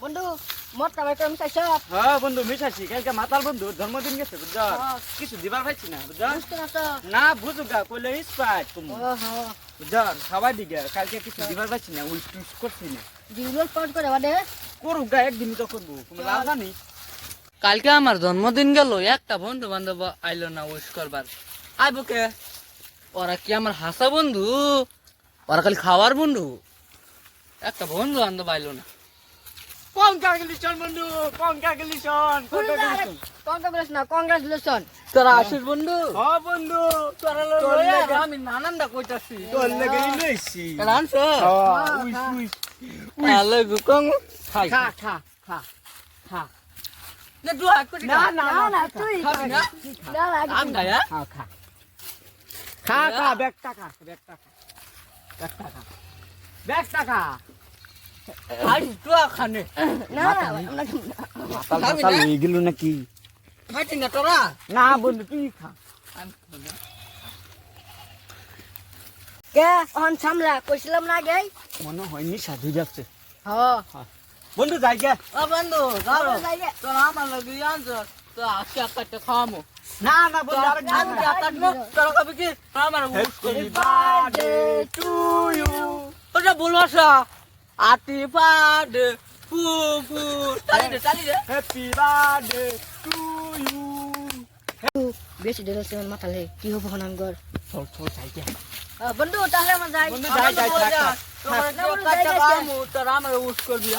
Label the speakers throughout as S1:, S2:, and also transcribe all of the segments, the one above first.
S1: বন্ধু মরটা ভাই কম চাইছ
S2: হ্যাঁ বন্ধু মিশাইছি কালকে মাতাল বন্ধু জন্মদিন গেছে বুঝছ কিছু দিবার পাইছি না বুঝছ
S1: বুঝতে না তো
S2: না বুঝুগা কইলে স্পাইট তুমি বুঝছ সবাই দিকে কালকে কিছু দিবার পাইছি না উইশ টুইশ করছি না
S1: জিরো পজ করে বাদে
S2: করুগা একদিন তো করবো তুমি লাভ জানি
S3: কালকে আমার জন্মদিন গেল একটা বন্ধু বান্ধব আইলো না উইশ করবার আইবো কে ওরা কি আমার হাসা বন্ধু ওরা খালি খাওয়ার বন্ধু একটা বন্ধু বান্ধব আইলো না
S2: কংগ্রাচুলেশন বন্ধু কংগ্রাচুলেশন
S1: কংগ্রাচুলেশন
S3: তোরা আসিস বন্ধু
S2: হ্যাঁ বন্ধু
S3: তোরা
S2: তোর লাগে
S3: আমি নানানটা কইতাছি
S2: তোর লাগে লইছি
S3: এটা আনছো
S2: উইশ উইশ
S3: আলে গুকং খাই
S1: খা খা খা খা
S3: না দুয়া করি
S1: না না না তুই
S3: খাবি না
S1: না লাগে
S3: আম খায়া
S1: খা খা
S2: খা খা ব্যাগ টাকা ব্যাগ টাকা ব্যাগ টাকা ব্যাগ টাকা
S3: আজ দুয়া খানে
S1: না
S2: মাতাল মাতাল হয়ে গেল নাকি
S3: খাইতি না তোরা
S2: না বন্ধু তুই খা
S1: কে অন সামলা কইছিলাম না গে
S2: মনে হয়নি সাধু যাচ্ছে
S1: হ্যাঁ
S2: বন্ধু যাই গে
S3: ও বন্ধু ধরো
S1: যাইগে
S3: তোরা আমার লগে আনছো তো আজকে একটা খামো
S2: না না বন্ধু আর
S3: আমি কাটবো তোরা কবে কি আমার উইশ করি
S2: বার্থডে টু ইউ
S3: ওটা বলবাসা আতি বার্থডে ফু ফু চালি দে
S2: হ্যাপি বার্থডে টু ইউ
S1: বেশি দিল সে মাথালে কি হবে হনাঙ্গর
S2: চল চল যাই গে
S1: বন্ধু তাহলে আমরা যাই
S2: বন্ধু যাই যাই থাক
S3: তোরা খামো তোরা আমার উইশ করবি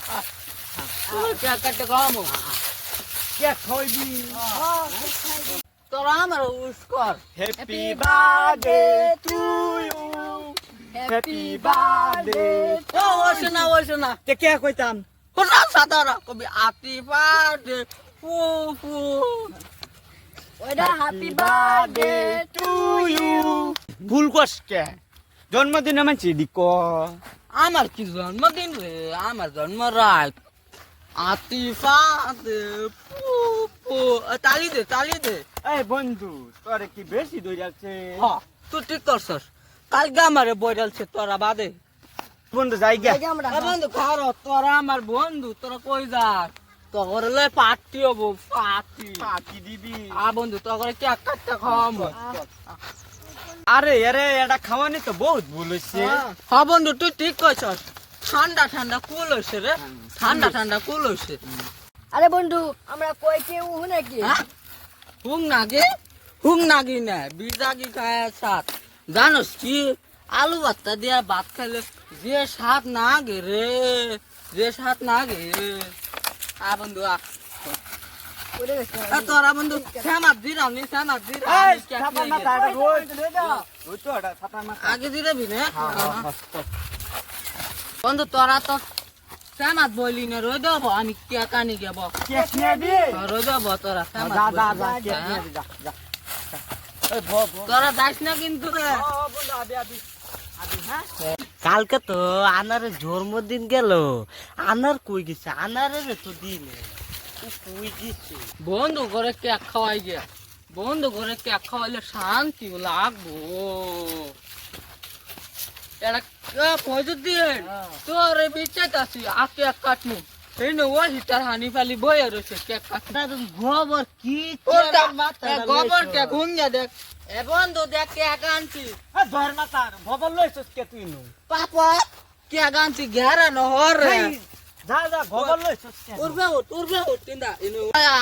S3: কাটতে খামো
S2: কে খাইবি
S3: তোরা আমার উইশ কর
S2: happy birthday to you happy birthday
S3: ও ওইসে না
S2: তে কে কইতাম
S3: কোথা সাতারা কবি আতি বার্থডে ফু ফু
S1: ওইটা হ্যাপি বার্থডে
S2: টু ইউ ভুল করছ কে জন্মদিনে মানছি দিক
S3: আমার কি জন্মদিন রে আমার জন্ম রাত আতি বার্থডে ফু ফু তালি দে
S2: এই বন্ধু তোরে কি বেশি দই যাচ্ছে
S3: হ তুই ঠিক করছস কালকে আমারে বইরালছে তোরা বাদে
S2: বন্ধু যাই গে
S1: আমরা
S3: বন্ধু খারো তোরা আমার বন্ধু তোরা কই যাস তোর লে পার্টি হবো পার্টি
S2: পাকি দিবি
S3: বন্ধু তোর কি একটা খাওয়াবো
S2: আরে আরে এটা খাওয়ানি তো বহুত ভুল হইছে
S3: হ্যাঁ বন্ধু তুই ঠিক কইছস ঠান্ডা কুল হইছে রে ঠান্ডা কুল হইছে
S1: আরে বন্ধু আমরা কই কেউ নাকি
S3: হুং নাগি না বিজাগি খায় সাত জানোস কি আলু ভর্তা দিয়া ভাত খাইলে যে স্বাদ না গে রে বন্ধু
S1: ওরে গেছে
S3: তোরা বন্ধু শ্যামাত দিরাম
S2: এই ছাতা মাথা এটা রোজ ওই তো এটা ছাতা মাথা
S3: আগে দিরাবি না বন্ধু তোরা তো শ্যামাত বইলি না রই দেবো আমি কে কানি গেব
S2: কেক নিয়ে দি
S3: রই দেবো তোরা
S2: যা যা যা কেক নিয়ে দি যা যা এই ভ ভ
S3: তোরা যাস না কিন্তু রে
S2: বন্ধু আবি আবি আবি হ্যাঁ
S4: কালকে তো আনারের জন্মদিন গেল আনার কই গেছে আনারের তো দিন কই গেছে
S3: বন্ধু করে কেক খাওয়াই গে বন্ধু করে কেক খাওয়াইলে শান্তি লাগবো এটা পয়সা দিয়ে তোর বিচার আছি আকে এক কাটমু এই নো ওই হিটার হানি ফালি বয়ে রয়েছে কেক কাটমু
S4: গোবর কি
S3: গোবর কে ঘুমিয়ে দেখ এ বন্ধু দেখ কেক আনছি
S2: এই ধর মাথা ভবল লইছস কে তুই নু
S3: পাপা কেক আনছি ঘেরা নহর রে
S2: যা যা ভবল লইছস কে
S3: উড়বে উঠ তিনটা ইনো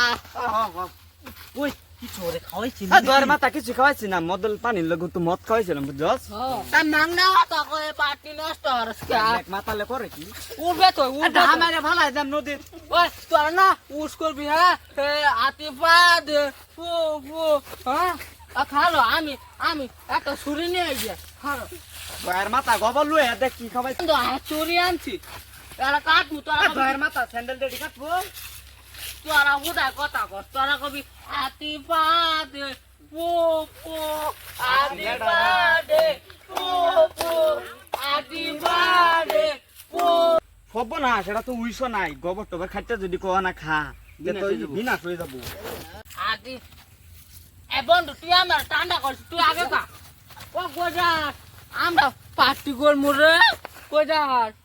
S4: ওই কি ছোরে খাওয়াইছি
S2: এই ধর মাথা কিছু খাওয়াইছি না মদল পানির লগে তো মদ খাওয়াইছিলাম বুঝছস
S3: তা মাংনা তো কই পার্টি নষ্ট হরস কে
S2: এক মাথালে করে কি
S3: উড়বে তো
S2: এটা আমারে ভালাই যাম নদীর
S3: ওই তোর না উস করবি হ্যাঁ আতিফা দে ফু ফু হ্যাঁ খালো আমি একটা ছুরি নিয়ে গিয়ে খালো
S2: ধর মাথা গবল লই দেখ কি খাওয়াইছি
S3: কিন্তু ছুরি আনছি এরা কাটমু তোরা
S2: ধর মাথা স্যান্ডেল দেড়ি কাটবো
S3: তোরা উদা কথা কর তোরা কবি আতিফা দে ফু ফু আতিফা দে ফু ফু আতিফা দে ফু
S2: হব না সেটা তো উইশ নাই গোবর টোবর খাইতে যদি কোয়া না খা তো বিনা হয়ে যাবো
S3: আতি এ বন্ধু তুই আমার ঠান্ডা করছিস তুই আগে খা ও গোজার আমরা পার্টি করবো রে গোজার